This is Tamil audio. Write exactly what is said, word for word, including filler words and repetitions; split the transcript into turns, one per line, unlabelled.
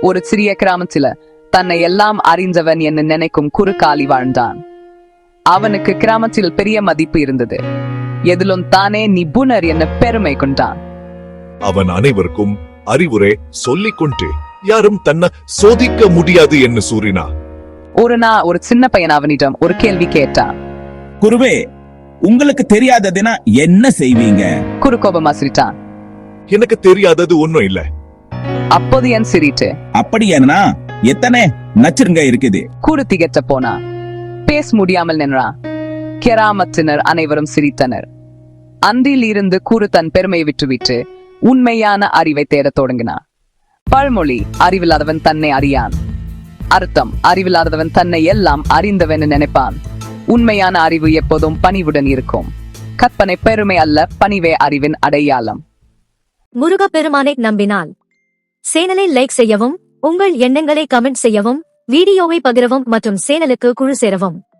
ஒரு சிறிய கிராமத்தில தன்னை எல்லாம் அறிந்தவன் என்று நினைக்கும் குறுக்காலி வாழ்ந்தான். அவனுக்கு கிராமத்தில் பெரிய மதிப்பு இருந்தது. எதிலும் தானே நிபுணர் என பெருமை கொண்டான்.
அவன் அனைவருக்கும் அறிவுரை சொல்லிக் கொண்டு யாரும் தன்னை சோதிக்க முடியாது என்று கூறினா.
ஒரு நாள் ஒரு சின்ன பையன் அவனிடம் ஒரு கேள்வி கேட்டான்.
குருவே, உங்களுக்கு தெரியாததுனா என்ன செய்வீங்க?
குரு கோபமா சிரித்தான்.
எனக்கு தெரியாதது ஒன்னும் இல்ல.
அப்போது என் சிரிட்டு,
அப்படி என்ன எத்தனை நச்சுருங்க இருக்குது?
குரு திகட்ட போனா. பேச முடியாமல் நின்றான். கிராமத்தினர் அனைவரும் சிரித்தனர். அன்றில் இருந்து குரு தன் பெருமையை விட்டுவிட்டு உண்மையான அறிவை தேடத் தொடங்கினான். பழமொழி, அறிவில்லாதவன் தன்னை அறியான். அர்த்தம், அறிவில்லாதவன் தன்னை எல்லாம் அறிந்தவன் நினைப்பான். உண்மையான அறிவு எப்போதும் பணிவுடன் இருக்கும். கற்பனை பெருமை அல்ல, பணிவே அறிவின் அடையாளம்.
முருகப்பெருமானை நம்பினால் சேனலை லைக் செய்யவும், உங்கள் எண்ணங்களை கமெண்ட் செய்யவும், வீடியோவை பகிரவும் மற்றும் சேனலுக்கு குழு சேரவும்.